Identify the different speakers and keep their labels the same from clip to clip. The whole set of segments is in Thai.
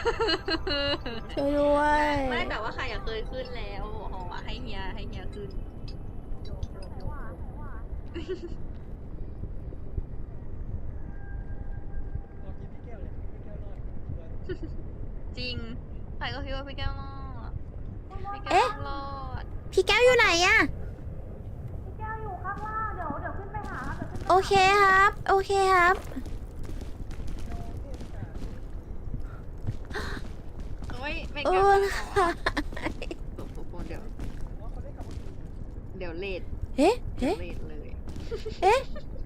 Speaker 1: ช่วยด้วย
Speaker 2: ไม่แต่ว่าใครอยากเคยขึ้นแล้วหอให้เฮียขึ้นจริงใครก็คิดว่าพี่แก้วรอดพี่แก้ว
Speaker 1: เอ๊ะ
Speaker 2: ต้องรอด
Speaker 1: พี่แก้วอยู่ไหนอะ
Speaker 3: พี่แก้วอยู่ข้างล่างเดี๋ยวขึ้นไปหาเดี๋ยวขึ้นไป
Speaker 1: โอเคครับ โอเคครับ
Speaker 2: ไม่
Speaker 1: โอ้
Speaker 2: แก้วต้องรอ
Speaker 1: ค่ะ
Speaker 2: ดเดี๋ยวเลท
Speaker 1: เอ๊ะ
Speaker 2: เดี๋ย
Speaker 1: เอ๊ะ
Speaker 2: วเลทเลย
Speaker 1: เอ๊ะ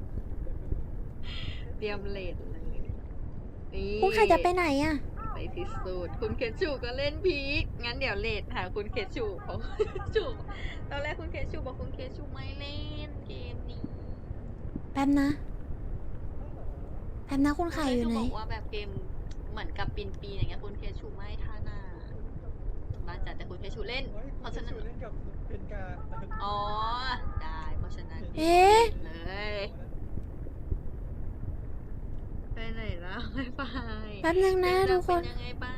Speaker 2: เตรียมเลทเลยนี่
Speaker 1: คุณใครจะไปไหนอะ
Speaker 2: ไปพิสูจน์คุณเคชูก็เล่นพีคงั้นเดี๋ยวเลทหาคุณเคชูเพราะชูตอนแรกคุณเคชูบอกคุณเคชูไม่เล่นเกมนี้
Speaker 1: แป๊บนะ แป๊บนะคุณไข่อยู่ไหน
Speaker 2: คุณเคชูบอกว่าแบบเกมเหมือนกับปีอย่างเงี้ยคุณเคชูไม่ท่าหน้าบ้านจัดแต่คุณเคชูเล่น เพราะฉะนั้น
Speaker 4: เล่นกับเป็นการ
Speaker 2: อ๋อได้เพราะฉะนั้น
Speaker 1: เอ๊ะ
Speaker 2: เลยไปไหนแล้วไม่ไป
Speaker 1: แป๊บนึงนะทุกคน
Speaker 2: เป็นยังไงบ้าง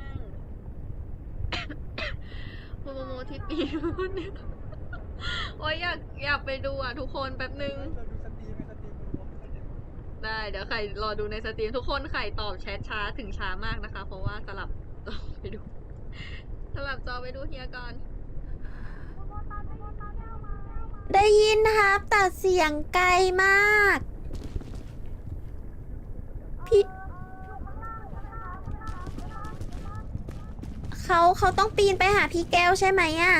Speaker 2: คุณโมโมที่ปีนเนี่ยโอ้ยอยากไปดูอ่ะทุกคนแป๊บนึง
Speaker 4: เราดูสตรีมไงสตรีมดู
Speaker 2: ได้เดี๋ยวใครรอดูในสตรีมทุกคนใครตอบแชทช้าถึงช้ามากนะคะ เพราะว่าสลับจอไปดูสลับจอไปดูเฮียก่อน
Speaker 1: ได้ยินนะครับแต่เสียงไกลมาก พี่เขาต้องปีนไปหาพี่แก้วใช่ไหมอะ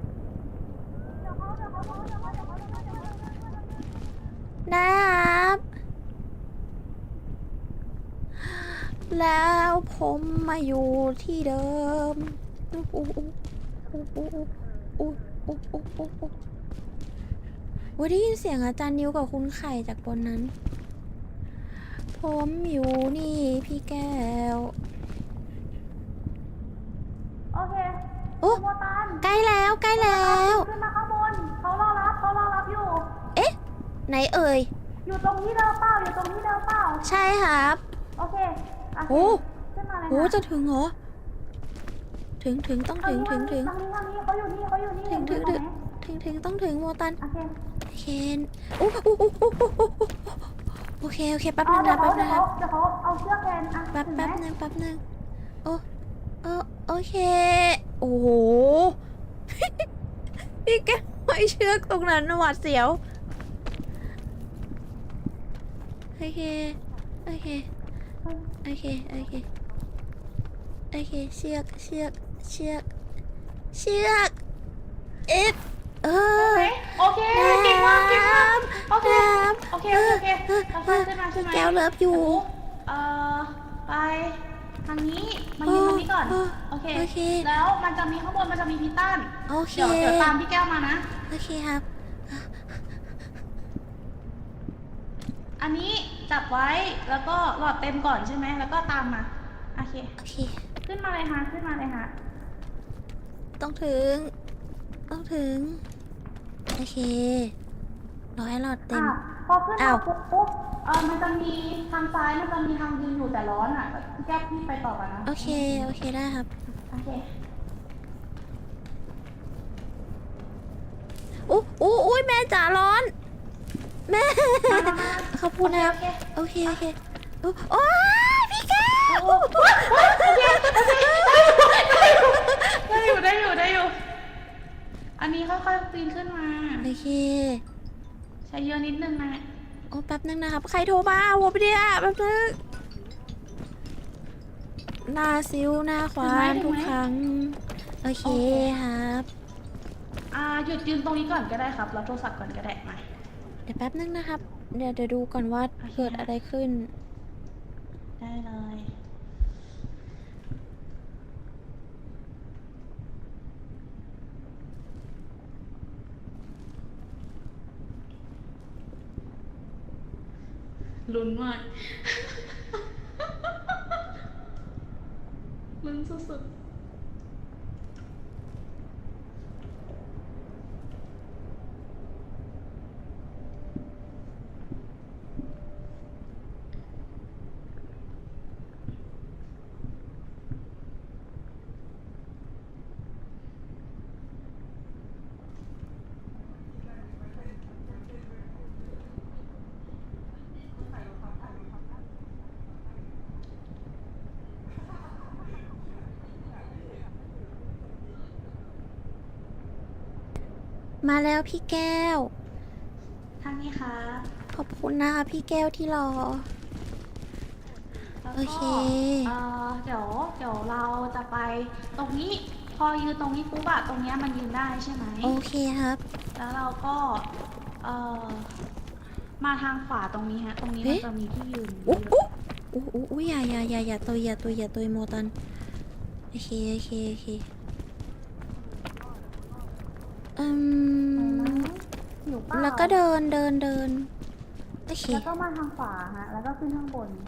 Speaker 1: ได้ครับ แล้วผมมาอยู่ที่เดิมได้ยินเสียงอาจารย์นิวกับคุณไข่จากบนนั้น ผมอยู่นี่พี่แก้ว
Speaker 3: โอเค
Speaker 1: โอ้
Speaker 3: โมตัน
Speaker 1: ใกล้แล้วใกล้แล้ว
Speaker 3: ขึ้นมาข้างบนเขารอรับอยู่
Speaker 1: เอ๊ะ ไหนเอ่ย
Speaker 3: อยู่ตรงที่เดิมเปล่าอยู่ตรงที่เดิมเปล่า
Speaker 1: ใช่ครับ
Speaker 3: โอเคโอเค
Speaker 1: โอ้
Speaker 3: ขึ้นมาเลย
Speaker 1: โหจะถึงเหรอ ถึงต้องถึง
Speaker 3: ทางนี้เขาอยู่นี่
Speaker 1: ต้องถึงโมตัน
Speaker 3: โอเค
Speaker 1: โอเคโอ้โอเคแป๊บนึงนะ
Speaker 3: เดี๋ยว
Speaker 1: แป๊บนึงครับ
Speaker 3: เดี๋ยวเขาเอาเชือกแทนอ่ะ
Speaker 1: แป๊บ
Speaker 3: ถึงไหม
Speaker 1: นึงโอเค โอ้โห พี่แกไม่เชือกตรงนั้นหวาดเสียว โอเคเชือกเอ๊ะเออ
Speaker 3: โอเคเก่งมากโอเค
Speaker 1: น้ำ
Speaker 3: โอเคค่อยๆขึ้นมา
Speaker 1: พี่แก้วเลิฟอยู่
Speaker 3: ไปทางนี้มายืนตรงนี้ก่อนโอเค แล้วมันจะมีข้างบนมันจะมีพิตัน
Speaker 1: โอเค
Speaker 3: เดี๋ยวตามพี่แก้วมานะ
Speaker 1: โอเคครับ
Speaker 3: อันนี้จับไว้แล้วก็หลอดเต็มก่อนใช่ไหมแล้วก็ตามมาโอเค ขึ้นมาเลยฮะ
Speaker 1: ต้องถึง โอเครอให้หลอดเต็ม
Speaker 3: พอขึ้น
Speaker 1: อ้าม
Speaker 3: าว ปุ๊บมันจะมีทางซ้ายมันจะมีทางยืนอยู่แต่ร้อนอ่ะพี่แก้วพี่ไปต่อกันนะ
Speaker 1: โอเคได้ครับ
Speaker 3: โอเค
Speaker 1: อุ้ยแม่จ๋าร้อน แม่
Speaker 3: มา
Speaker 1: ขอบคุณนะครับ โอเคโอ้ยพี่แก้ว
Speaker 3: ได้อยู่อันนี้ค่อยๆปีนขึ้นมา
Speaker 1: โอเค
Speaker 3: ใช้เยอะนิดนึงนะ
Speaker 1: โอ้แป๊บนึงนะครับ ใครโทรมาผมไม่ได้แป๊บนึงหน้าซิวหน้าควานทุกครั้ง โอเคครับ
Speaker 3: หยุดยืนตรงนี้ก่อนก็ได้ครับรับโทรศัพท์ก่อนก็ได้มา
Speaker 1: เดี๋ยวแป๊บนึงนะครับ เดี๋ยวดูก่อนว่าเกิดอะไรขึ้น
Speaker 3: ได้เลยลุ้นมาก ลุ้นสุดๆ
Speaker 1: มาแล้วพี่แก้ว
Speaker 3: ทางนี้ค่ะ
Speaker 1: ขอบคุณนะคะพี่แก้วที่รอ
Speaker 3: แล้ว
Speaker 1: โอ
Speaker 3: ก็
Speaker 1: เค
Speaker 3: เดี๋ยวเราจะไปตรงนี้ พอยืนตรงนี้ปุ๊บอะตรงเนี้ยมันยืนได้ใช่ไหม
Speaker 1: โอเคครับ
Speaker 3: แล้วเราก็มาทางขวาตรงนี้ฮะ ตรงนี้มันจะมีที่ยืน
Speaker 1: อุ๊อุ๊อย่าตัวโมตัน โอเค
Speaker 3: อยู่เปล่า
Speaker 1: แล้วก็เดินโอเค
Speaker 3: แล้วก็มาทางขวาฮะ แล้วก็ขึ้นข้างบน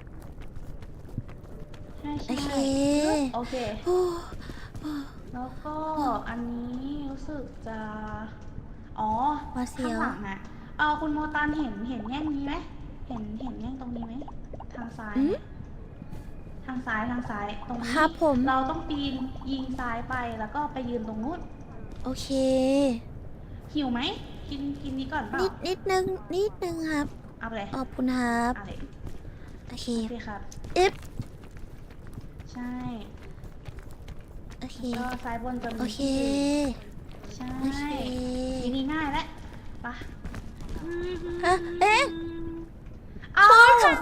Speaker 3: ใช่
Speaker 1: โอเค
Speaker 3: โอเค
Speaker 1: โอ้
Speaker 3: แล้วก็อันนี้รู้สึกจะ อ๋อ
Speaker 1: ว่าเสี
Speaker 3: ข้าง
Speaker 1: ยว
Speaker 3: หลังอะคุณโมตันเห็นแง่งนี้ไหมเห็นแง่งตรงนี้ไหม ทางซ้าย
Speaker 1: อืม
Speaker 3: ทางซ้าย ตรงนี้
Speaker 1: ครับผม
Speaker 3: เราต้องปีนยิงซ้ายไป แล้วก็ไปยืนตรงนู้น
Speaker 1: โอเค
Speaker 3: หิวไหม กินนี้ก่อนเปล่า
Speaker 1: นิดนึงครับ
Speaker 3: เอาไปเลย
Speaker 1: ขอบคุณครับ
Speaker 3: เอาเลย
Speaker 1: โอเค
Speaker 3: โอเคครับ
Speaker 1: อึ๊บ
Speaker 3: ใช่
Speaker 1: โอเค
Speaker 3: ก็ซ้ายบนจะมี
Speaker 1: โอเค
Speaker 3: ใช่
Speaker 1: โอเค
Speaker 3: ทีนี้ง่ายแล้วไปะ
Speaker 1: เอ๊ะ
Speaker 3: อ้าว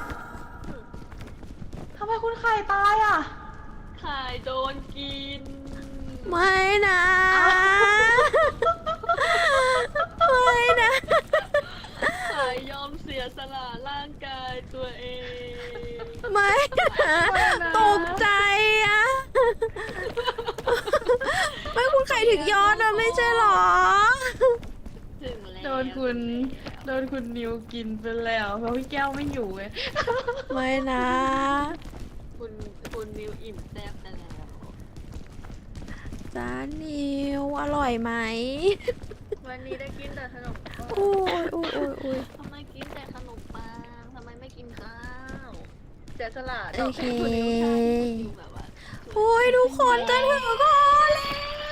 Speaker 3: ทำไมคุณไข่ตายอ่ะ
Speaker 2: ไข่โดนกิน
Speaker 1: ไม่นะ ไม่นะ
Speaker 2: ไข่ยอมเสียสละร่างกายตัวเอง
Speaker 1: ไม่นะตกใจอะไม่คุณไข่ถึงยอดอะไม่ใช่หรอ
Speaker 2: ถึงแล้ว
Speaker 3: โดนคุณนิวกินไปแล้วเพราะพี่แก้วไม่อยู่ไง
Speaker 1: ไม่นะ
Speaker 2: คุณนิวอิ่มแซ่บไปแล้ว
Speaker 1: จานนิวอร่อยไหม
Speaker 2: วันนี้ได้กินแต่ขนมปัง
Speaker 1: โอ้ย
Speaker 2: ทำไมกินแต่ขนมปังทำไมไม่กินข้าวเสียสละ
Speaker 1: โอเค
Speaker 2: คุณนิวใช่คุณนิวแบบว่า
Speaker 1: โอ้ยทุกคนจะถึงคอแล้ว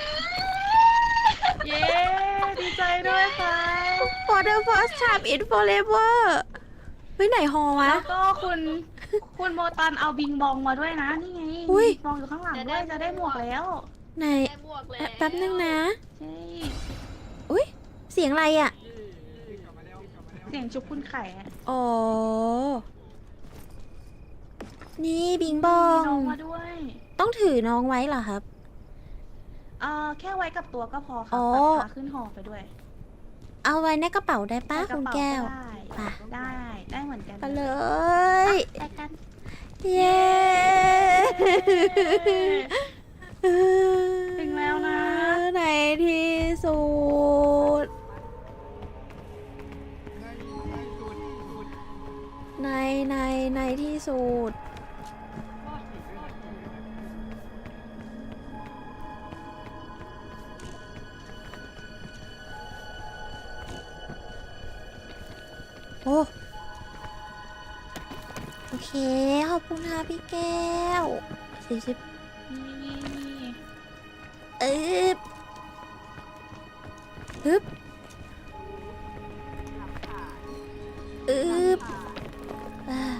Speaker 3: เย้ ดีใจด้วยค่ะ
Speaker 1: For the first time in forever เฮ้ยไหนฮอวะ
Speaker 3: แล้วก็คุณโมตันเอาบิงบองมาด้วยนะ นี่ไง
Speaker 1: อุ๊ย
Speaker 3: บิงบองอยู่ข้างหลังด้วยจะได้หมวกแล้ว
Speaker 1: ไหน
Speaker 2: ได้บวกแล้ว
Speaker 1: แป๊บนึงนะ
Speaker 3: ใช่
Speaker 1: อุ้ยเสียงอะไรอ่ะ
Speaker 3: เสียงชุบคุณไข่อะ
Speaker 1: อ๋อ นี่บิงบอ
Speaker 3: มี
Speaker 1: ง
Speaker 3: น้องมาด้วย
Speaker 1: ต้องถือน้องไว้เหรอครับ
Speaker 3: แค่ไว้กับตัวก็พอค่ะ
Speaker 1: อ๋อ
Speaker 3: ปัดขาขึ้นหอไปด้วย
Speaker 1: เอาไว้ในกระเป๋าได้ป้า
Speaker 3: ในก
Speaker 1: คุ
Speaker 3: ระ
Speaker 1: ณ
Speaker 3: เป๋า
Speaker 1: แก้ว
Speaker 3: ได้
Speaker 1: ไป
Speaker 3: ได้เหมือนกัน
Speaker 1: ไปเลย
Speaker 3: ไปกัน
Speaker 1: เย้
Speaker 3: ถึงแล้วนะ
Speaker 1: ในที่สุด ในที่สุด โอ้โอเค ขอบคุณค่ะพี่แก้ว40
Speaker 3: นี่
Speaker 1: อึ๊บอึ๊บอึ๊บอ่า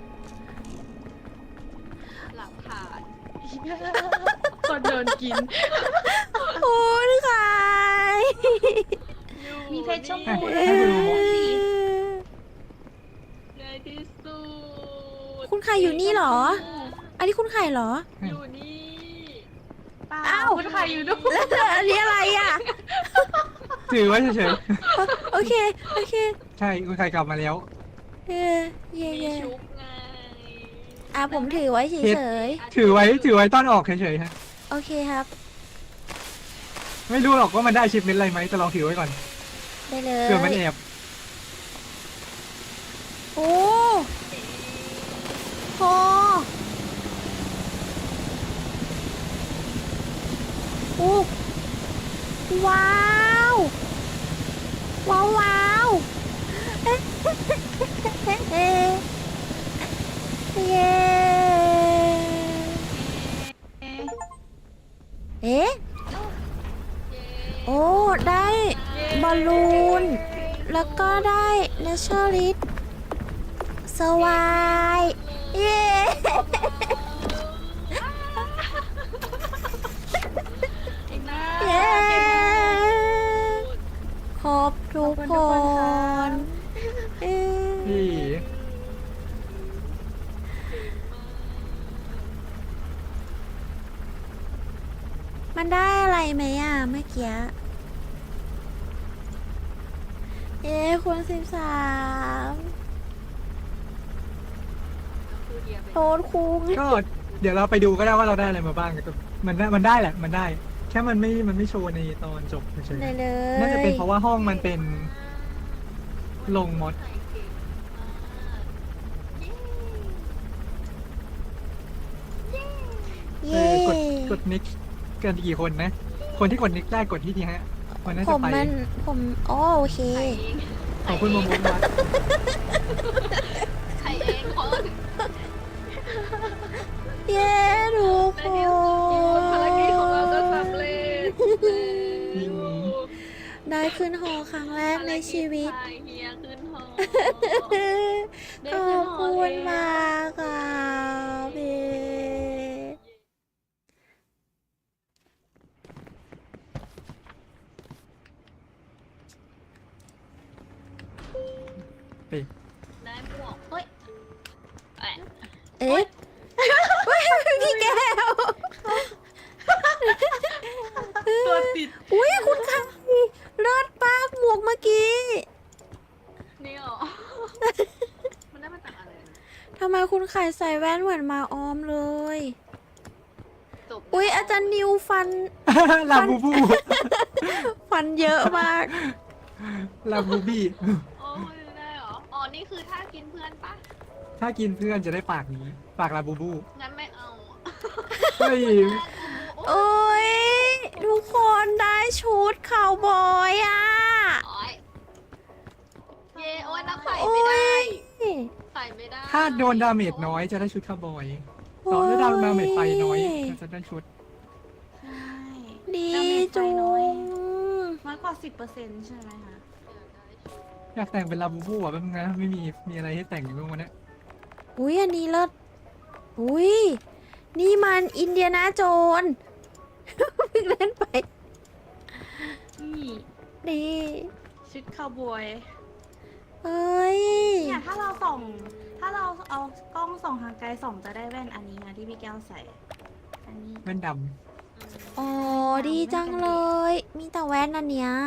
Speaker 2: หลักฐาน
Speaker 3: คนโดนกิน
Speaker 1: โอ้ยใคร
Speaker 3: มีเพชรชมพู
Speaker 1: เอ้
Speaker 3: ด้วย
Speaker 1: ย
Speaker 2: ในที่สุด
Speaker 1: คุณไข่อยู่นี่เหรอ อันนี้คุณไข่เหรอ
Speaker 2: อยู่นี่
Speaker 3: เปล่า
Speaker 1: อ้าว
Speaker 3: คุณไข่อยู่ด้วย
Speaker 1: แล้วอันนี้อะไรอ่ะ
Speaker 4: ถือไว้เฉย
Speaker 1: โอเค
Speaker 4: ๆ ใช่คุณใครกลับมาแล้ว
Speaker 1: เย่
Speaker 2: มีชุบไง
Speaker 1: อ่ะผมถือไว้เฉย
Speaker 4: ถือไว้ต้อนออกเฉยๆฮะ
Speaker 1: ๆ โอเคครับ
Speaker 4: ไม่รู้หรอกว่ามันได้ชิปเมนอะไรไหมแต่ลองถือไว้ก่อน
Speaker 1: ได้เลย
Speaker 4: เผื่อมันแอบ
Speaker 1: โอ้โหโอ้ว้าว ว้าวเอ๊ะเย้เอ๊ะ โอ้ ได้บอลลูน แล้วก็ได้เนเชอร์ลิสสวายเย้
Speaker 3: อีกนะ
Speaker 1: เย้มันได้อะไรไหมอ่ะเมื่อกี้คุณ13โทษคุง
Speaker 4: ก็เดี๋ยวเราไปดูก็ได้ว่าเราได้อะไรมาบ้างแต่มันได้แหละมันได้ แค่มันไม่โชว์ในตอนจบเฉย
Speaker 1: ได้เลย
Speaker 4: ๆน่าจะเป็นเพราะว่าห้องมันเป็นลงมด
Speaker 1: เย่
Speaker 4: กดนิกกันกี่คนนะ คนที่กดนิกได้กดที่นี่ฮะมันน่า
Speaker 1: ผ
Speaker 4: จะ
Speaker 1: ม
Speaker 4: ไป
Speaker 1: ผมโอเค
Speaker 4: ของคุณโมโมวัด
Speaker 2: ใครเองคน
Speaker 1: เย้ทุกค
Speaker 2: ภารกิจของเรา
Speaker 1: น
Speaker 2: ก็สำเร็จ
Speaker 1: ได้ขึ้นหอครั้งแรกในชีวิต
Speaker 2: ภารกิจพาเฮียขึ้นหอ
Speaker 1: ขอบคุณมากค่ะพี่
Speaker 4: ไป
Speaker 2: ได้หมวกเฮ้ยแอะ
Speaker 1: เอ๊ะพี่แก้ว
Speaker 3: ตัวติด
Speaker 1: อุ้ยคุณค่ะเลิศปากหมวกเมื่อกี้
Speaker 2: นี่หรอ มันได้มาจากอะไรนะ
Speaker 1: ทำไมคุณไข่ใส่แว่นเหมือนมาออมเลย
Speaker 2: จบ
Speaker 1: อุ้ยอาจารย์นิวฟัน
Speaker 4: ลาบูบู
Speaker 1: ฟันเยอะมาก
Speaker 4: ลาบูบี้
Speaker 2: โอ้ยได้เหรอ อ๋อ นี่คือถ้ากินเพื่อนปะ
Speaker 4: ถ้ากินเพื่อนจะได้ปากนี้ ปากลาบูบู
Speaker 2: งั้นไม่เอา
Speaker 4: เฮ้ย
Speaker 1: โอ้ยทุกคนได้ชุดข่าวบอยอ่ะ
Speaker 2: โอ้ยเย้โอ้ยนักใส่
Speaker 1: โอ้
Speaker 2: ไม่ได้
Speaker 1: ย
Speaker 2: ใส่ไม่ได้
Speaker 4: ถ้าโดนดาเมจน้อยจะได้ชุดคาวบอยต่อถ้าดาเมจไฟน้อยจะได้ชุด
Speaker 3: ใช่
Speaker 1: ดี
Speaker 3: ดาเมจไฟ
Speaker 1: จุ
Speaker 3: น้อย
Speaker 1: ง
Speaker 3: น้อยกว่า 10%ใช่ไหมคะ
Speaker 4: อยากแต่งเป็นลาบูบูอ่ะแป๊บนึงนะไม่มีอะไรให้แต่งอยู่บ้างวันนี้
Speaker 1: อุ้ยอันนี้เลิศอุ้ยนี่มันอินเดียนาโจน เพิ่งเล่นไป
Speaker 3: นี่
Speaker 1: ดี
Speaker 3: ชุดคาวบอย
Speaker 1: เอ้ย
Speaker 3: เนี่ยถ้าเราเอากล้องส่องทางไกลส่องจะได้แว่นอันนี้นะที่พี่แก้วใส่ อันนี้
Speaker 4: แว่นด
Speaker 1: อ๋อดีจังเลย มีแต่แว่นอันเนี้ย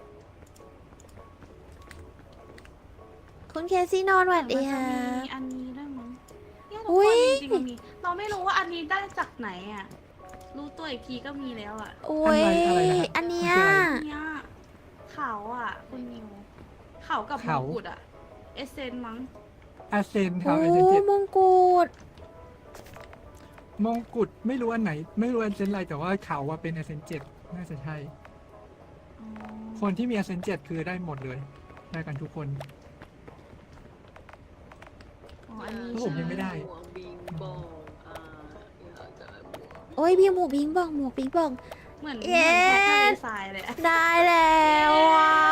Speaker 1: คุณเคซี่นอนหวัดดี
Speaker 3: แต่
Speaker 1: ค่ะ
Speaker 3: มันจะมีอันนี้ด้วยมั้งเนี่ยทุก
Speaker 1: อุ๊
Speaker 3: คน
Speaker 1: ย
Speaker 3: จริงๆมันมีเราไม่รู้ว่าอันนี้ได้จากไหนอ่ะ รู้ตัวอีกทีก็มีแล้วอ่ะ
Speaker 1: โอ้ยอันเนี้ย
Speaker 3: เนี่ยเขาอ่ะคุณนิวเขากับมงกุฎอ่ะ เอเซนมั้ง
Speaker 4: ำอาเซนครั
Speaker 1: โอ้
Speaker 4: บอาเซนเจ็ด
Speaker 1: มงกุฎ
Speaker 4: มงกุฎไม่รู้อันไหน ไม่รู้อันเซนอะไรแต่ว่าเขาว่าเป็นอาเซนเจ็ดน่าจะใช่
Speaker 3: อ๋อ
Speaker 4: คนที่มีอาเซนเจ็ดคือได้หมดเลย ได้กันทุกคน
Speaker 3: อ๋ออันนี้
Speaker 4: ผมยังไม่ได้
Speaker 2: หมวกบิงบองอยากจะหมวก
Speaker 1: โอ้ยพี่หมูบิงบองหมูบิงบอง
Speaker 3: เหมือน
Speaker 1: เย้
Speaker 3: แพททะเลทรายเลยอะ
Speaker 1: ได้แล้วอ่ะ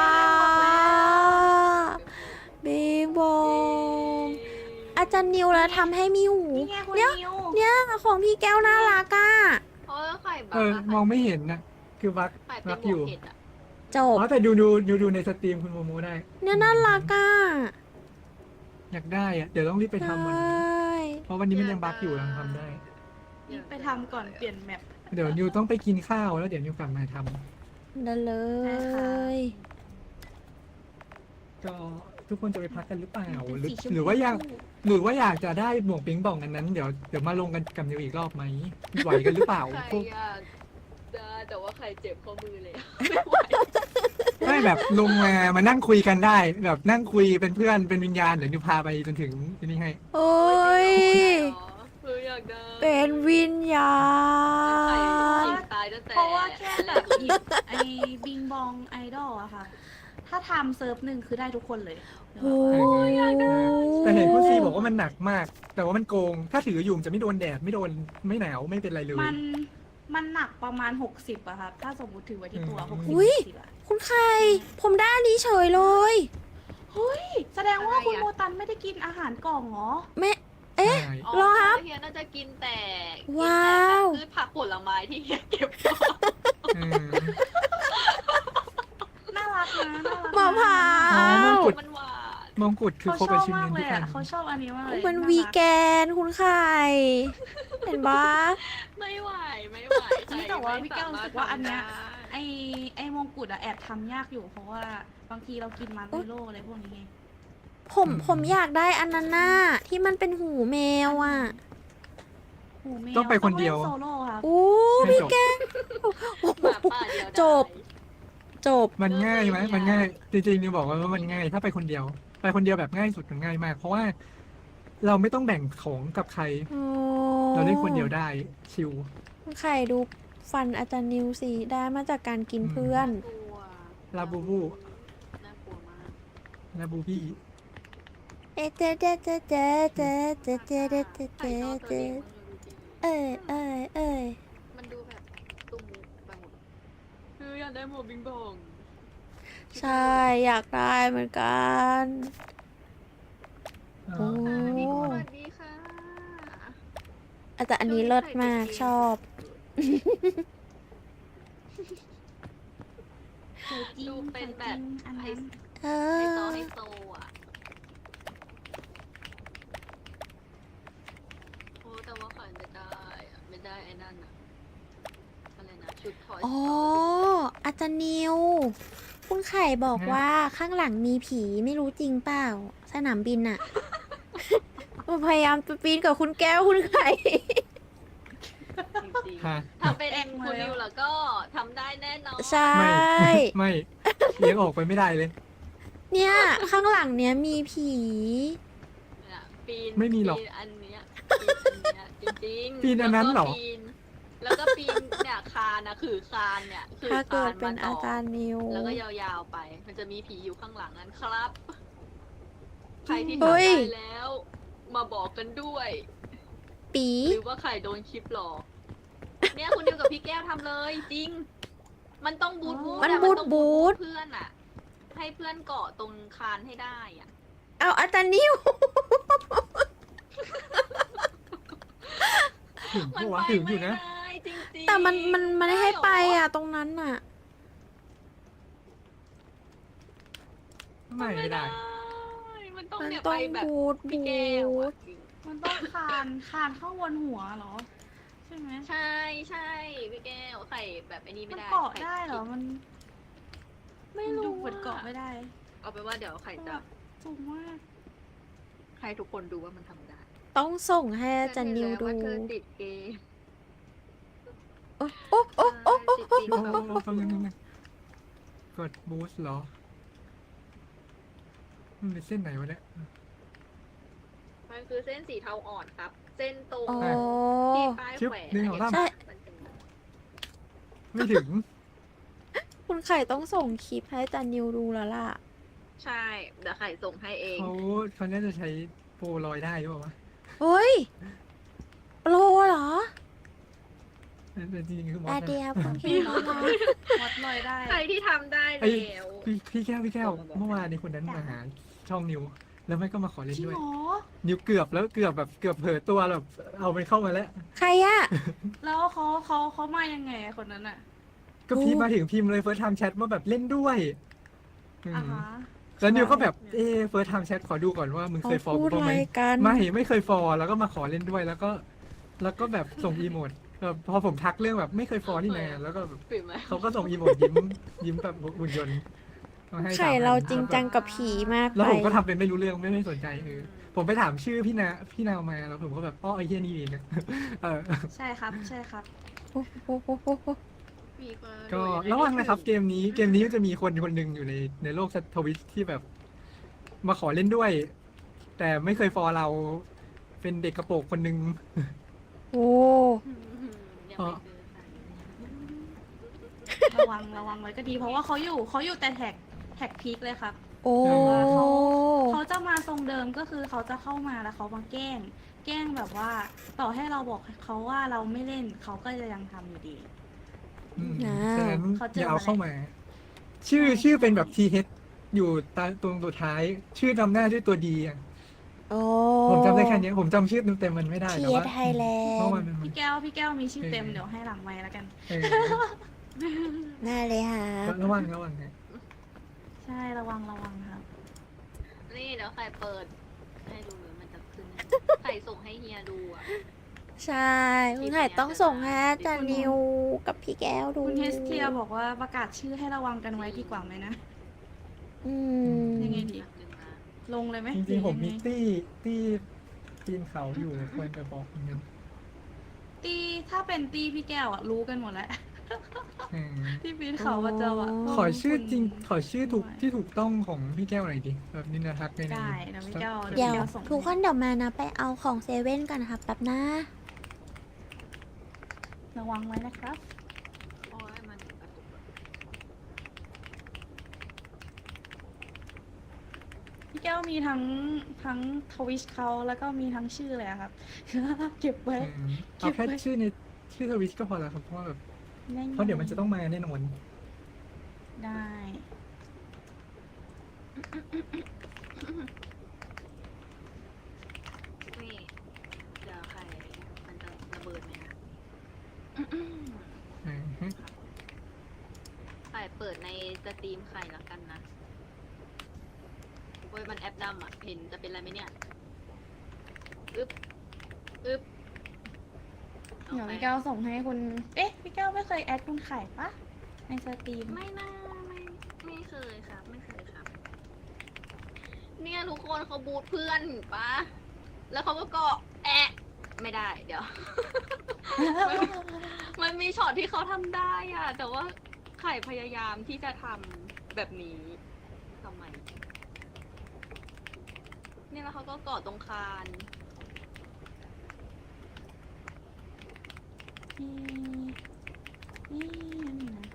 Speaker 1: บิงบองอาจารย์นิวแล้วทำให้มีหู
Speaker 3: นี่ไงคุณ
Speaker 1: เนี่ย
Speaker 3: นิว
Speaker 1: เนี่ยของพี่แก้วน่ารักอ่ะ
Speaker 2: เพราะว่าไข่บั
Speaker 4: เออ มองไม่เห็นนะคือบัก
Speaker 2: ไข่เป็
Speaker 4: บั
Speaker 2: น
Speaker 4: ก
Speaker 2: หม
Speaker 4: อ
Speaker 2: วก
Speaker 4: ยู่
Speaker 2: เห็ดอ่ะ
Speaker 1: จบ
Speaker 4: อ๋อแต่ดูในสตรีมคุณโมโมได้
Speaker 1: เนี่ยน่ารักอ่ะ
Speaker 4: อยากได้อะเดี๋ยวต้องรีบไปทำวันนี้
Speaker 1: ใช่
Speaker 4: เพราะวันนี้มันยังบักอยู่ยังทำได้
Speaker 3: นี่ไปทำก่อนเปลี่ยนแมป
Speaker 4: เดี๋ยวนิวต้องไปกินข้าวแล้วเดี๋ยวนิวกลับมาทำ
Speaker 1: ได้เล
Speaker 3: ได้ค่ะ
Speaker 1: ย
Speaker 4: ก็ทุกคนจะไปพักกันหรือเปล่าหรือ
Speaker 3: สีชมพู
Speaker 4: หรือว่าอยากจะได้หมวกปิงป่องอันนั้นเดี๋ยวมาลงกันกับนิวอีกรอบไหมไหวกันหรือเปล่า
Speaker 2: ไข่
Speaker 4: พวก
Speaker 2: อยากได้แต่ว่าไข่เจ็บข้อมือเลย
Speaker 4: ไม่แบบลงมานั่งคุยกันได้ แบบนั่งคุยเป็นเพื่อนเป็นวิญญาณเดี๋ยวนิวพาไปจนถึงที่นี่ให้
Speaker 1: โอ้ย
Speaker 2: คืออยากได้
Speaker 1: เป็นวิญญา
Speaker 2: ไข่
Speaker 1: ณ
Speaker 2: ตายตั้งแต่
Speaker 3: เพราะว่าแค่แบบหยิบไอ้บิงบองไอดอลอะค่ะ ถ้าทำเซิร์ฟหนึ่งคือได้ทุกคนเลย
Speaker 1: โอ้ย
Speaker 4: แต่เห็นคุณซีบอกว่ามันหนักมาก แต่ว่ามันโกง ถ้าถืออยู่มันจะไม่โดนแดดไม่โดนไม่หนาวไม่เป็นไรเลย
Speaker 3: มันหนักประมาณ 60อะครับ ถ้าสมมติถือไว้ที่ตัว
Speaker 4: อืม
Speaker 3: 60
Speaker 1: อุ๊ย
Speaker 3: 60อะ
Speaker 1: คุณไข่ผมได้อันนี้เฉยเลย
Speaker 3: เฮ้ย แสดงว่าคุณโมตันไม่ได้กินอาหารกล่องเหรอ
Speaker 1: แม่เอ๊ะ
Speaker 4: ใช่
Speaker 1: รอครับ
Speaker 2: เฮียน่าจะกินแต่
Speaker 1: ว้าว
Speaker 2: พืชผักผลไม้ที่เฮียเก็บ
Speaker 4: เออ
Speaker 3: น่ารักนะน่ารัก
Speaker 1: มะพร้า
Speaker 4: อ๋อมง
Speaker 1: ว
Speaker 4: กุฎ
Speaker 2: มันหวาน
Speaker 4: มงกุฎคือ
Speaker 3: เขา
Speaker 4: ครบ
Speaker 3: ชอบ
Speaker 4: อาชีพ
Speaker 3: มาก
Speaker 4: ทุ
Speaker 3: เล
Speaker 4: ก
Speaker 3: ย
Speaker 4: อั
Speaker 3: อะ
Speaker 4: น
Speaker 3: เขาชอบอันนี้มากเลย
Speaker 1: มัน
Speaker 3: น่ารัก
Speaker 1: วีแกนคุณไข่เห็นปะ
Speaker 2: ไม่ไหวไม่ไหว
Speaker 3: นี่แต่ว่าพี่แก้วรู้สึกว่าอันเนี้ย
Speaker 2: ไอ้
Speaker 3: ไอ้มงกุฎอะแอบทำยากอยู่เพราะว่าบางทีเรากินมาร์เมโลอะไรพวกนี้ไง
Speaker 1: ผมอยากได้อันนั้นน่ะที่มันเป็นหูแมวอ่ะ
Speaker 3: โอ้แมว
Speaker 4: ต้องไปคนเดียว
Speaker 3: ต้องล่นโซโล่ครับ
Speaker 1: อู้
Speaker 4: ให้
Speaker 1: พี่
Speaker 4: จบ
Speaker 1: แก้ว
Speaker 2: หมาป่าเดียวดาย
Speaker 1: จบ จบ
Speaker 4: มันง่ายไหมมันง่าย จริงๆนิวบอกว่ามันง่าย ถ้าไปคนเดียว ไปคนเดียวแบบง่ายสุดมันง่ายมาก เพราะว่าเราไม่ต้องแบ่งของกับใคร เราเล่นคนเดียวได้ ชิล
Speaker 1: ไข่ดูฟันอาจารย์นิวสิได้มาจากการกินเพื่อน
Speaker 2: กลัว
Speaker 4: ลาบูบู
Speaker 2: น่ากลัวมาก
Speaker 4: ลาบูบี้
Speaker 1: เอ๊ะเจ๊เจ๊เจ๊เจ๊เจ๊เจ๊เจ๊เจ๊เจ๊
Speaker 2: ไข่
Speaker 1: เจ๊
Speaker 2: นอกตัว
Speaker 1: เจ๊
Speaker 2: เด็กมันดูจริง
Speaker 1: เอ้ยเอ้ยเอ้ย
Speaker 2: มันดูแบบตุ้มไปหมดคืออยากได้หมวกบิงบอง
Speaker 1: ใช่อยากได้เหมือนกัน โอ้
Speaker 2: พี่กูสวัสดีค่ะ
Speaker 1: แต่อันนี้เลิศมากชอบ
Speaker 3: เคยจริง
Speaker 2: ดูเป็นแบบ
Speaker 3: อัน
Speaker 2: ไฮ
Speaker 3: นั้น
Speaker 1: เอ
Speaker 2: โซ
Speaker 1: อ
Speaker 2: ไฮโซอ่ะโอ้แต่ว่าขายไม่ได้อะไม่ได้ไอ้นั่นอะอะไรนะชุดทอย
Speaker 1: อ๋ออาจารย์นิว คุณไข่บอกว่าข้างหลังมีผีไม่รู้จริงเปล่า สนามบินอะ พยายามจะปีนกับคุณแก้วคุณไข่
Speaker 2: จริง
Speaker 4: ฮะ
Speaker 2: ๆถ้าเป็นคุณนิวแล้วก็ทำได้แน่นอน
Speaker 1: ใช่
Speaker 4: ไม่ เลี้ยงออกไปไม่ได้เลย
Speaker 1: เนี่ยข้างหลังเนี้ยมีผี
Speaker 2: เนี่ยปีน
Speaker 4: ไม่มีหรอก
Speaker 2: ปีนอันเนี้ยปีนอันเนี้ยจริงๆ
Speaker 4: ปีนอันนั้นเหรอ
Speaker 2: แล้วก็ปีนเนี่ยคานนะคือคานเนี่ยคือ
Speaker 1: ถ้าเกิ
Speaker 2: คา
Speaker 1: ด
Speaker 2: น
Speaker 1: เป็น
Speaker 2: มา
Speaker 1: อา
Speaker 2: ต่อ
Speaker 1: จารย์นิว
Speaker 2: แล้วก็ยาวๆไป มันจะมีผีอยู่ข้างหลังนั้นครับ ใครที่
Speaker 1: เฮ้
Speaker 2: ทำ
Speaker 1: ย
Speaker 2: ได้แล้ว มาบอกกันด้วย
Speaker 1: ปี
Speaker 2: หรือว่าใครโดนคลิปหลอก เนี่ยคุณดิวกับพี่แก้วทำเลยจริง มันต้องบูทบูท
Speaker 1: มัน
Speaker 2: อะ
Speaker 1: บูท
Speaker 2: ต้อง
Speaker 1: บูท
Speaker 2: เพื่อนอะให้เพื่อนเกาะตรงคานให้ได้อะ
Speaker 1: เอาอาจารย์นิว
Speaker 4: ถึง
Speaker 2: มัน
Speaker 4: ปะวะ
Speaker 2: ไป
Speaker 4: ถึงอ
Speaker 2: ไม่
Speaker 4: ยู่นะ
Speaker 2: ได้จริงๆ
Speaker 1: แต่มันไม่ได้ให้ไป
Speaker 2: ด้เหร
Speaker 1: อ่ะตรงนั้นอ่ะ
Speaker 4: ไม่ได้
Speaker 2: มันต้อง
Speaker 1: มัน
Speaker 2: เนี่ย
Speaker 1: ต้อ
Speaker 2: ไป
Speaker 1: ง
Speaker 2: แบบ
Speaker 1: บูท
Speaker 2: พี่
Speaker 1: บู
Speaker 2: แก้ว
Speaker 1: ท
Speaker 2: อะจริง
Speaker 3: มันต้องคานเข้าวนหัวเหรอ ใช่ไหม
Speaker 2: ใช่ใช่พี่แก้วไข่แบบไอ้นี่
Speaker 3: มั
Speaker 2: ไม่
Speaker 3: น
Speaker 2: ได้
Speaker 3: เกาะ
Speaker 2: ข่
Speaker 3: ได้เหรอ มัน
Speaker 1: ไม่
Speaker 3: มัน
Speaker 1: รู้
Speaker 3: ดูเหมือนเกาะไม่ได้
Speaker 2: เอาไปนว่าเดี๋ยวไข่จะ
Speaker 3: สูงมาก
Speaker 2: ให้ทุกคนดูว่ามันทำได้
Speaker 1: ต้องส่งให้อาจารย์นิวดู
Speaker 2: ว่าเธอติดเกม
Speaker 1: โอ้โอ้โอ้โอ้โอ้
Speaker 2: ติดจริง
Speaker 4: โอ้
Speaker 2: แบบ
Speaker 4: โหฟังนึงกดบูสต์เหรอ มันเป็นเส้นไหนวะเนี่ย
Speaker 2: มันคือเส้นสีเทาอ่อนครับ เส้นตรง
Speaker 1: อ๋อ
Speaker 2: ที่ป้าย
Speaker 4: ชึบ
Speaker 2: แขวน
Speaker 4: หนึ่งสองสาม
Speaker 1: ใช่
Speaker 2: มันเป็น
Speaker 4: ไม่ถึง
Speaker 1: คุณไข่ต้องส่งคลิปให้อาจารย์นิวดูแล้วล่ะ
Speaker 2: ใช่ เดี๋ยวไข่ส่งให้เอง
Speaker 4: เขาน่าจะใช้โปรลอยได้หรือเปล่าวะ
Speaker 1: เฮ้ยโลเหรอ
Speaker 4: แต่จริงๆคือมอ
Speaker 1: อา
Speaker 4: ส
Speaker 1: เดี
Speaker 4: นะ
Speaker 1: ยผมเห็นแล้วนะ
Speaker 3: วัดลอยได้
Speaker 2: ใครที่ทำได้
Speaker 4: ไอ้
Speaker 2: แล้ว
Speaker 4: พี่แก้วเมื่อวานนี้คนนั้นมาหาช่องนิว แล้วไม่ก็มาขอ
Speaker 3: จ
Speaker 4: เล่น
Speaker 3: ริง
Speaker 4: ด้วย
Speaker 3: เหรอ
Speaker 4: นิวเกือบแล้วเกือบแบบเกือบเผลอตัวแบบเอามันเข้ามาแล้ว
Speaker 1: ใครอะ
Speaker 3: แล้วเขามายังไงอะคนนั้นอะ
Speaker 4: ก็พี่มาถึงพิมพ์เลยเฟิร์สไทม์แชทว่าแบบเล่นด้วยอืม
Speaker 3: อ่าฮะ
Speaker 4: แล้วนิวก็แบบเฟิร์สไทม์แชทขอดูก่อนว่ามึง
Speaker 1: เขา
Speaker 4: เคยฟอล
Speaker 1: พูด
Speaker 4: กูบ้าง
Speaker 1: อะ
Speaker 4: ไห
Speaker 1: ไร
Speaker 4: ม
Speaker 1: กัน
Speaker 4: ไม่เคยฟอลแล้วก็มาขอเล่นด้วยแล้วก็แบบส่งอีโมดแบบพอผมทักเรื่องแบบไม่เคยฟอลนี่นาแล้วก็แบบ
Speaker 2: ปิดไหม
Speaker 4: เขาก็ส่งอีโมดยิ้มแบบหุ่นยนต์มาให้
Speaker 1: ไข่
Speaker 4: 3,000
Speaker 1: เราจริงจังกับผีมาก
Speaker 4: แล้ว
Speaker 1: ไป
Speaker 4: ผมก็ทำเป็นไม่รู้เรื่องไม่สนใจผมไปถามชื่อพี่นาวมาแล้วผมก็แบบอ้อไอ้เหี้ยนี่เองอะเออ
Speaker 3: ใช่ครับ ใช่ครับ
Speaker 1: โอ้โหโหโหโห
Speaker 2: มีคน
Speaker 4: ก็
Speaker 2: ดูยังไง
Speaker 4: ระวังนะครับ เกมนี้จะมีคนหนึ่งอยู่ในโลกทวิตที่แบบ มาขอเล่นด้วย แต่ไม่เคยฟอลเราเป็นเด็กกระโปรงคนหนึ่ง
Speaker 1: โอ้
Speaker 2: ยังไม่เจอใคร
Speaker 3: ระวังไว้ก็ดี เพราะว่าเขาอยู่แต่แท็กพีคเลยครับ
Speaker 1: โอ้
Speaker 3: เขาจะมาทรงเดิมก็คือเขาจะเข้ามาแล้วเขามาแกล้งแบบว่า ต่อให้เราบอกเขาว่าเราไม่เล่นเขาก็จะยังทำอยู่ดี
Speaker 4: ฉะนั้น
Speaker 3: เขาเจอ
Speaker 4: อย่าเอา
Speaker 3: มาแล้ว
Speaker 4: เข้ามา ชื่อเป็นแบบ TH อยู่ตรงสุดท้าย ชื่อนำหน้าด้วยตัวดีอ่ะ
Speaker 1: โอ้
Speaker 4: ผมจำได้แค่นี้ผมจำชื่อเต็มๆมันไม่ได้
Speaker 1: เที
Speaker 4: แต่
Speaker 1: ย
Speaker 4: ว่า
Speaker 1: ไทยแล
Speaker 4: เพราะ
Speaker 1: น
Speaker 4: มัน
Speaker 1: ด์
Speaker 4: เป็น
Speaker 3: พี่แก้วมีชื่อเต็มเดี๋ยวให้หลังไมค์แล้วกัน
Speaker 4: เออ
Speaker 1: น่าเลยค่ะ
Speaker 4: ระวังนะ
Speaker 3: ใช่ระวังครับ
Speaker 2: นี่เดี๋ยวใครเปิด ให้ดูเลยมันจะขึ้นไข่ส่งให้เฮียดูอ่ะ
Speaker 1: ใช่คุณไข่ต้องส่งให้อาจารย์นิวกับพี่แก้วดู
Speaker 3: คุณเฮสเทียบอกว่าประกาศชื่อให้ระวังกันไว้ดีกว่าไหมนะ
Speaker 1: อืม
Speaker 3: ยังไงดี
Speaker 2: แป๊บนึงนะ
Speaker 3: ลงเลยไหม
Speaker 4: จริงๆผมมี
Speaker 3: หอยังไง
Speaker 4: ตี้ปีนเขาอยู่ควรจะบอกเหมือนกัน
Speaker 3: ตีถ้าเป็นตีพี่แก้วอะรู้กันหมดแล้ว
Speaker 4: อืม
Speaker 3: ที่ปีนเขาประจำอะ
Speaker 4: ขอชื่อจริง
Speaker 3: คุณ
Speaker 4: ขอชื่อถูกที่ถูกต้องของพี่แก้วหน่อยดิแบบนินทักใน
Speaker 3: ได้นะพี่แก้ว
Speaker 1: เดี๋ยว
Speaker 3: พี่แก้วส่ง
Speaker 1: ทุกคนเดี๋ยวมานะไปเอาของเซเว่นกันนะคะแป๊บนะ
Speaker 3: ระวังไว้นะครับ
Speaker 2: โอ้ยมันกระตุกอะ
Speaker 3: พี่แก้วมีทั้งทวิชเขาแล้วก็มีทั้งชื่อเลยอะครับ เก็บไว้
Speaker 4: เอาแค่
Speaker 3: เก็บไว้
Speaker 4: ชื่อในชื่อทวิชก็พอแล้วครับเพราะว่าแบบ
Speaker 3: ได้ไ
Speaker 4: เพราะเดี๋ยวมันจะต้องมาแน่นอน
Speaker 3: ได้
Speaker 2: นี่เดี๋ยวใครมันจะระเบิดไหมนะ
Speaker 4: อืมฮึ
Speaker 2: ใครเปิดในสตรีมใครแล้วกันนะโอ้ยมันแอปดำอ่ะ เห็นจะเป็นอะไรไหมเนี่ยอึ๊บอึ๊บ
Speaker 3: เดี๋ยวพี่แก้วส่งให้คุณ เอ๊ะ พี่แก้วไม่เคยแอดคุณไข่ปะในสตรีม
Speaker 2: ไม่น่าไม่เคยครับ ไม่เคยครับ เนี่ยทุกคนเขาบูทเพื่อนปะแล้วเขาก็เกาะแอะไม่ได้เดี๋ยว มันมีช็อตที่เขาทำได้อะแต่ว่าไข่พยายามที่จะทำแบบนี้ทำไมเนี่ยแล้วเขาก็เกาะตรงคาน
Speaker 3: นี่นั่นนี่นะ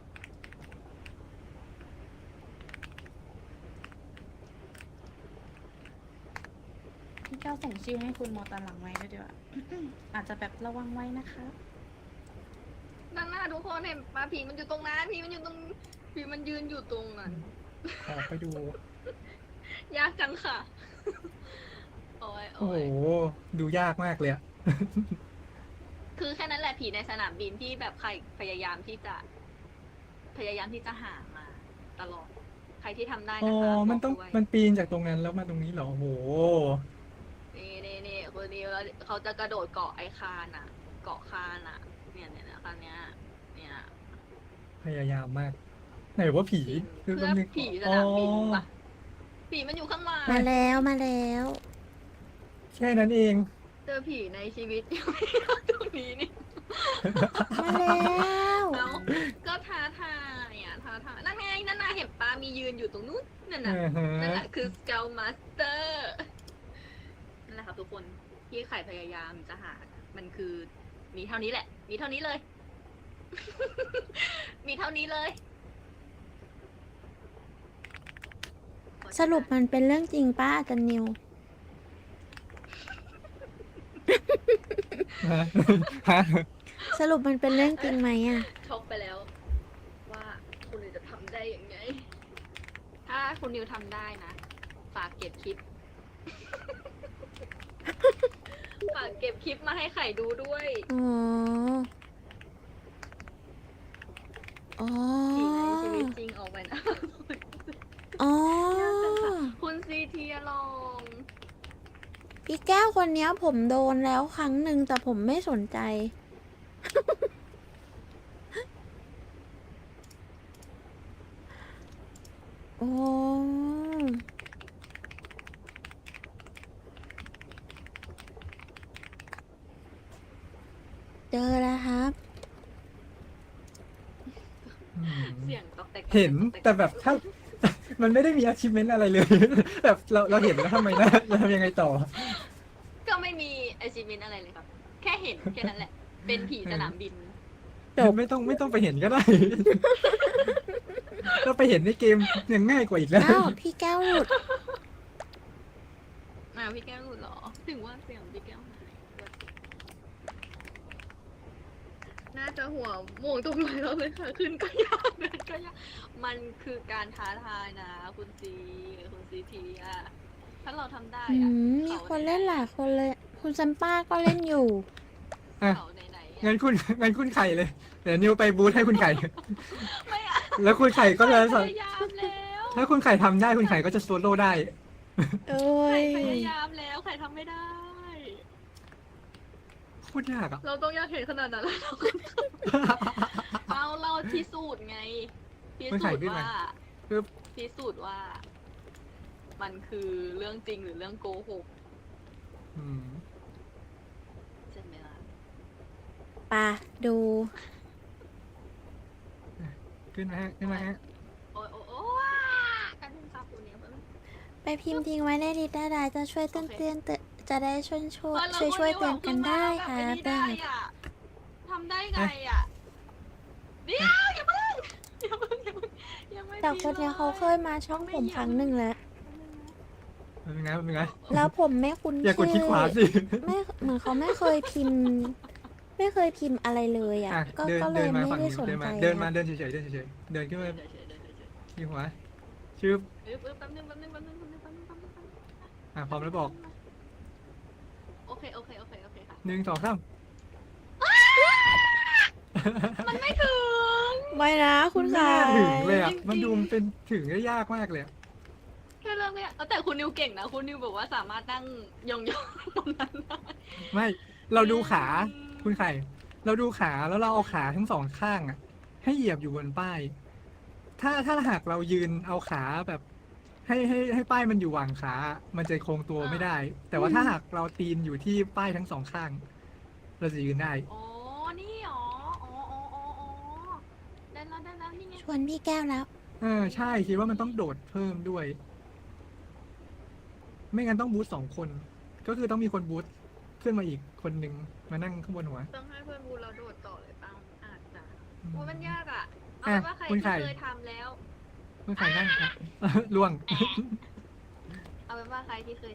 Speaker 3: พี่แก้วส่งชื่อให้คุณมอตอนหลังไว้ด้วยดีกว่า อาจจะแบบระวังไว้นะคะ
Speaker 2: ด้านหน้าทุกคนเห็นปะผีมันอยู่ตรงนั้นผีมันอยู่ตรงผีมันยืนอยู่ตรงนั้น
Speaker 4: ขอไปดู
Speaker 2: ยากจังค่ะ โอ้ย
Speaker 4: โอ้
Speaker 2: โอ้
Speaker 4: โห
Speaker 2: ย
Speaker 4: ดูยากมากเลยอะ
Speaker 2: คือแค่นั้นแหละผีในสนามบินที่แบบใครพยายามที่จะหามาตลอด ใครที่ทำได้
Speaker 4: อ๋อ
Speaker 2: นะคะ
Speaker 4: มันต้อง
Speaker 2: บกด้วย
Speaker 4: มันปีนจากตรงนั้นแล้วมาตรงนี้เหรอโอ้โห
Speaker 2: นี่คนนี้แล้วเขาจะกระโดดเกาะไอคานอ่ะ เกาะคานอ่ะ เนี่ยคานเนี้ยเนี่ย
Speaker 4: พยายามมาก ไหนว่าผี
Speaker 2: เพื่อ
Speaker 4: แป๊บนึง
Speaker 2: ผีสนามบินปะผีมันอยู่ข้างหลัง
Speaker 1: มาแล้วมาแล้ว
Speaker 4: แค่นั้นเอง
Speaker 2: เจอผีในชีวิต ยังไม่เจอตรงนี้นี่
Speaker 1: มาแล้ว
Speaker 2: แล้วก็ท้าทายอ่ะท้าทายนั่นไงนั่นน่ะเห็นปลามียืนอยู่ตรงนู้นนั่นน่ะ
Speaker 4: อ่าฮะ
Speaker 2: นั่นแหละคือสเกลมาสเตอร์นั่นแหละครับทุกคนที่ไข่พยายามจะหา มันคือมีเท่านี้แหละ มีเท่านี้เลย มีเท่านี้เลย
Speaker 1: สรุปมันเป็นเรื่องจริงป้าอาจารย์นิว
Speaker 4: ฮะฮะ
Speaker 1: สรุปมันเป็นเรื่องจริงไหมอ่ะ
Speaker 2: ช็อกไปแล้ว ว่าคุณนิวจะทำได้ยังไง ถ้าคุณนิวทำได้นะ ฝากเก็บคลิป ฝากเก็บคลิปมาให้ไข่ดูด้วย
Speaker 1: อ๋อ อ๋อ
Speaker 2: ผีในชีวิตจริงออกไปนะ
Speaker 1: อ๋อ
Speaker 2: คุณซีเทียลอง
Speaker 1: พี่แก้วคนเนี้ยผมโดนแล้วครั้งหนึ่งแต่ผมไม่สนใจ โอ้ เจอแล้วครับ
Speaker 4: อืม
Speaker 2: เสียงตอกแตก
Speaker 4: เห็นแต่แบบถ้า มันไม่ได้มี achievement อะไรเลย แบบเราเห็นแล้วทำไมนะเราทำยังไงต่อ
Speaker 2: ก็ไม่มีไอชิมินอะไรเลยครับ แค่เห็นแค่นั้นแหละ เป็นผีสนามบิน
Speaker 1: จบ
Speaker 4: ไม่ต้องไปเห็นก็ได้ เราไปเห็นในเกมยังง่ายกว่าอีกแล้ว
Speaker 1: อ้าว พี่แก้วหลุด
Speaker 2: พี่แก้วหลุดเหรอ ถึงว่าเสียงพี่แก้วหายน่าจะหัวโมงตรงไหนแล้วเลยค่ะ ขึ้นก็ยากเดินก็ยาก มันคือการท้าทายนะ คุณซีทีอะถ้าเราทำได้
Speaker 1: อื
Speaker 2: อะ
Speaker 1: มมีคนเล่นหลายคนเลย คุณซัมป้าก็เล่นอยู่
Speaker 4: อ่ะ
Speaker 2: เขาไหนๆอะ
Speaker 4: งั้นคุณไข่เลย เดี๋ยวนิวไปบูธให้คุณไข่
Speaker 2: ไม่อะ
Speaker 4: แล้วคุณไข่ก็จะ
Speaker 2: พยายามแล้ว
Speaker 4: ถ้าคุณไข่ทำได้คุณไข่ก็จะโซโล่ได้
Speaker 1: เอ้
Speaker 2: ไข่
Speaker 1: ย
Speaker 2: พยายามแล้วไข่ทำไม่ได้
Speaker 4: ขพูดยากอ่ะ
Speaker 2: เราต้องอยากเห็นขนาดนั้นเลยเหรอเราพิสูจน์ไงพิสูจน์ว่า
Speaker 4: ปึ๊บ
Speaker 2: พิสูจน์ว่า มันคือเรื่องจริงหรือเรื่องโกหก
Speaker 4: อืม
Speaker 2: ใช่ไหมล่ะ
Speaker 1: ปะดู
Speaker 4: ขึ้นมาฮะขึ้นมาฮะ
Speaker 2: โอ้ยโอ้ยโอ้ยกันนึงครับคุณเนี่ยเพิ่ง
Speaker 1: ไปพิมพ์ทิ้งไว้ในดิสได้จะช่วยเตือนจะได้ช่วย
Speaker 2: เรา
Speaker 1: ช่วยเตือนกันได้ค่ะ
Speaker 2: แบบ
Speaker 1: ได้
Speaker 2: นี้ได้อะทำได้ไงอ่ะเดี๋ยวอย่าเพิ่งยังไม่
Speaker 1: แต่คนเนี้ยเขาเคยมาช่องผมครั้งหนึ่งแล้ว
Speaker 4: เป็นไงเป็นไง
Speaker 1: แล้วผมไม่คุ้น
Speaker 4: อย่ากดคลิกขวาสิ
Speaker 1: ไม่เหมือนเขาไม่เคยพิมพ์ ไม่เคยพิมพ์อะไรเลยอ่ะ
Speaker 4: อ่ะ
Speaker 1: ก็
Speaker 4: เดิน
Speaker 1: ก็เล
Speaker 4: เดิ
Speaker 1: ย
Speaker 4: นมา
Speaker 1: ไม่
Speaker 4: ฝั่ง
Speaker 1: ได้
Speaker 4: นี้
Speaker 1: สน
Speaker 4: เดิน
Speaker 1: ใจ
Speaker 4: มาเดินมา
Speaker 1: อะ
Speaker 4: เดินเฉยๆเดินเฉยๆเดินขึ้นมา
Speaker 2: เดี๋ยว
Speaker 4: ที่หัวชื่อ
Speaker 2: แป๊บนึง
Speaker 4: อ่ะพร้อมแล้วบอก
Speaker 2: โอเคค่ะ
Speaker 4: 1 2 3
Speaker 2: มันไม่ถึง
Speaker 1: ไม่นะคุณ
Speaker 4: ไม่
Speaker 1: ค่ะ
Speaker 4: น่าถึงเลยอ่ะ
Speaker 2: จริงๆ
Speaker 4: มันดูมันเป็นถึงได้ยากมากเลยอะ
Speaker 2: แค่เรื่องเนี้ยแต่คุณนิวเก่งนะคุณนิวบอกว่าสามารถนั่งยองๆตรงนั้นได้
Speaker 4: ไม่เราดูขาคุณไข่ เราดูขาแล้วเราเอาขาทั้งสองข้างอ่ะ ให้เหยียบอยู่บนป้าย ถ้าหากเรายืนเอาขาแบบ ให้ป้ายมันอยู่หว่างขา มันจะโค้งตัวไม่ได้ แต่ว่าถ้าหากเราตีนอยู่ที่ป้ายทั้งสองข้าง เราจะยืนได้
Speaker 2: อ๋อนี่หรออ๋อได้แล้วนี่ไง
Speaker 1: ชวนพี่แก้วแล้ว
Speaker 4: ใช่คิดว่ามันต้องโดดเพิ่มด้วย ไม่งั้นต้องบูท2 คน ก็คือต้องมีคนบูทขึ้นมาอีกคนหนึ่งมานั่งข้างบนหัว
Speaker 2: ต้องให้เพื่อนบูเราโดดต่อเลยปังอาจจะ
Speaker 4: อืม
Speaker 2: โอ้ยมันยากอ่ะเอา
Speaker 4: อ่ะ
Speaker 2: เป็นว่าใคร
Speaker 4: คุณ
Speaker 2: ที่
Speaker 4: ไข่
Speaker 2: เคยทำแล้ว
Speaker 4: คุณไข่นั่ง ล่วง
Speaker 2: เอาเป็นว่าใครที่เคย